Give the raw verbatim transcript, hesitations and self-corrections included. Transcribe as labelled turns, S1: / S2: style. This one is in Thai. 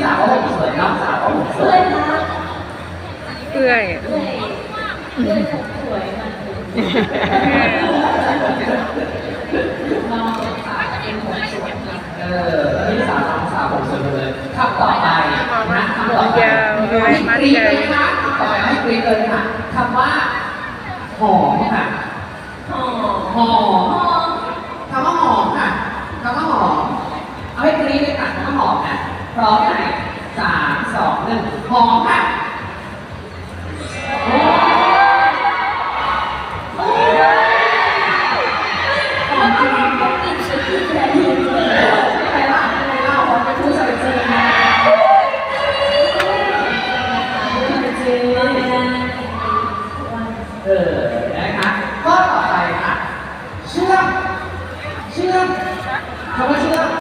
S1: สาวก็ผมสวยน้องสาวก็ผมส
S2: เพื่
S1: ว
S2: อย นนะ
S3: เปื่อย
S2: เพื่อนเพื่อนผมสวยมันน้องสาวเป็นผมสวยนะ
S1: เออพี่สาวน้องสาวผมสวยเลยคำต่อไปนะคำต่อไปให้กรี๊ดเลยค่ะต่อไปให้กรี๊ดเลยค่ะคำว่าหอมค่ะ
S2: หอม
S1: หอมคำว่าหอมค่ะคำว่าหอมเอาให้กรี๊ดเลยค่ะคำว่าหอมนะพร้อมไหมสามสองหนึ่งหอมค่ะหอมจริง
S2: ต้องกินชิ้นที่แท้จริงเลย
S1: ใครล่ะใครเล่าเขาเป็นผู้ชายจริงนะจริงเออนะคะข้อต่อไปค่ะเชื่อมเชื่อม